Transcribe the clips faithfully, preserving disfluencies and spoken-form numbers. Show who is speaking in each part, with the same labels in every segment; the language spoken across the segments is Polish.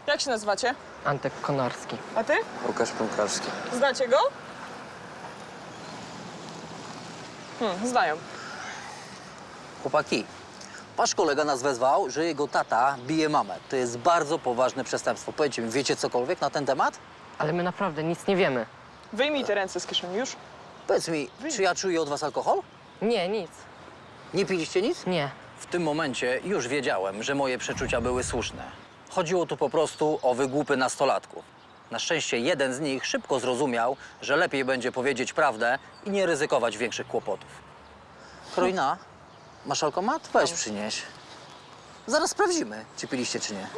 Speaker 1: Jak się nazywacie?
Speaker 2: Antek Konarski.
Speaker 1: A ty?
Speaker 3: Łukasz Pękarski.
Speaker 1: Znacie go? Hmm, znają.
Speaker 4: Chłopaki, wasz kolega nas wezwał, że jego tata bije mamę. To jest bardzo poważne przestępstwo. Powiedzcie mi, wiecie cokolwiek na ten temat?
Speaker 2: Ale my naprawdę nic nie wiemy.
Speaker 1: Wyjmij te ręce z kieszeni już.
Speaker 4: Powiedz mi, czy ja czuję od was alkohol?
Speaker 2: Nie, nic.
Speaker 4: Nie piliście nic?
Speaker 2: Nie.
Speaker 4: W tym momencie już wiedziałem, że moje przeczucia były słuszne. Chodziło tu po prostu o wygłupy nastolatków. Na szczęście jeden z nich szybko zrozumiał, że lepiej będzie powiedzieć prawdę i nie ryzykować większych kłopotów. Karolina, masz alkomat? Weź przynieś. Zaraz sprawdzimy, czy piliście, czy nie.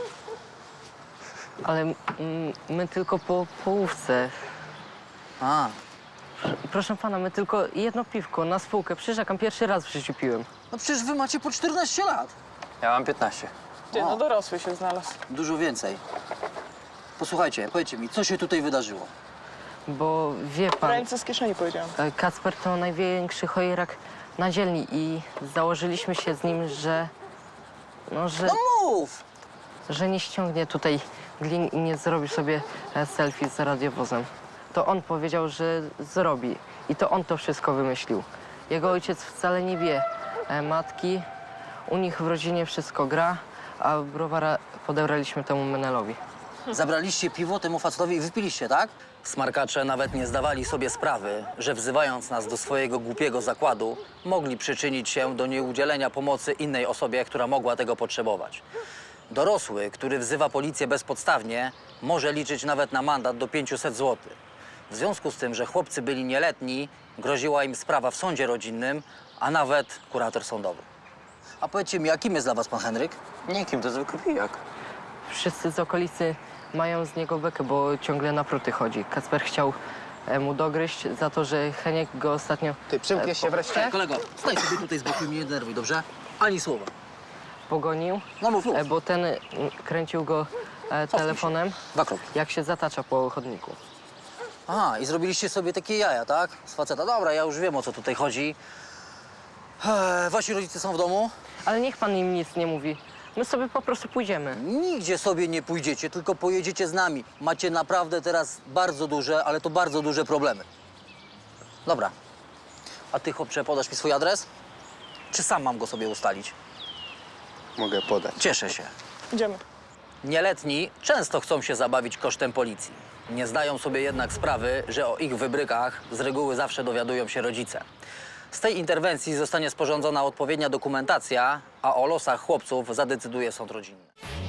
Speaker 2: Ale mm, my tylko po połówce.
Speaker 4: A,
Speaker 2: Proszę pana, my tylko jedno piwko na spółkę. Przyrzekam, pierwszy raz w życiu piłem.
Speaker 4: no przecież wy macie po czternaście lat.
Speaker 3: Ja mam piętnaście.
Speaker 1: Ty,
Speaker 4: O.
Speaker 1: no dorosły się znalazł.
Speaker 4: Dużo więcej. Posłuchajcie, powiedzcie mi, co się tutaj wydarzyło?
Speaker 2: Bo wie pan,
Speaker 1: Ręce z kieszeni powiedziałam.
Speaker 2: e, Kacper to największy chojerak na dzielni i założyliśmy się z nim, że... No, że,
Speaker 4: No mów!
Speaker 2: że nie ściągnie tutaj glin i nie zrobi sobie e, selfie z radiowozem. To on powiedział, że zrobi i to on to wszystko wymyślił. Jego ojciec wcale nie wie e, matki, u nich w rodzinie wszystko gra, a browara podebraliśmy temu Menelowi.
Speaker 4: Zabraliście piwo temu facetowi i wypiliście, tak? Smarkacze nawet nie zdawali sobie sprawy, że wzywając nas do swojego głupiego zakładu, mogli przyczynić się do nieudzielenia pomocy innej osobie, która mogła tego potrzebować. Dorosły, który wzywa policję bezpodstawnie, może liczyć nawet na mandat do pięciuset złotych. W związku z tym, że chłopcy byli nieletni, groziła im sprawa w sądzie rodzinnym, a nawet kurator sądowy. A powiedzcie mi, jakim jest dla was pan Henryk?
Speaker 3: Nikim, to zwykły pijak.
Speaker 2: Wszyscy z okolicy mają z niego bekę, bo ciągle na pruty chodzi. Kacper chciał e, mu dogryźć za to, że Heniek go ostatnio
Speaker 3: Ty przymkniesz się wreszcie?
Speaker 4: Kolego, staj sobie tutaj z boku i mnie nie denerwuj, dobrze? Ani słowa.
Speaker 2: pogonił,
Speaker 4: No mów, mów.
Speaker 2: e, bo ten mm, kręcił go e, telefonem,
Speaker 4: Dwa kroki.
Speaker 2: jak się zatacza po chodniku.
Speaker 4: Aha, i zrobiliście sobie takie jaja, tak? Z faceta. Dobra, ja już wiem, o co tutaj chodzi. Eee, wasi rodzice są w domu?
Speaker 2: Ale niech pan im nic nie mówi. My sobie po prostu pójdziemy.
Speaker 4: Nigdzie sobie nie pójdziecie, tylko pojedziecie z nami. Macie naprawdę teraz bardzo duże, ale to bardzo duże problemy. Dobra. A ty, chłopcze, podasz mi swój adres? Czy sam mam go sobie ustalić?
Speaker 3: Mogę podać.
Speaker 4: Cieszę się.
Speaker 1: Idziemy.
Speaker 4: Nieletni często chcą się zabawić kosztem policji. Nie zdają sobie jednak sprawy, że o ich wybrykach z reguły zawsze dowiadują się rodzice. Z tej interwencji zostanie sporządzona odpowiednia dokumentacja, a o losach chłopców zadecyduje sąd rodzinny.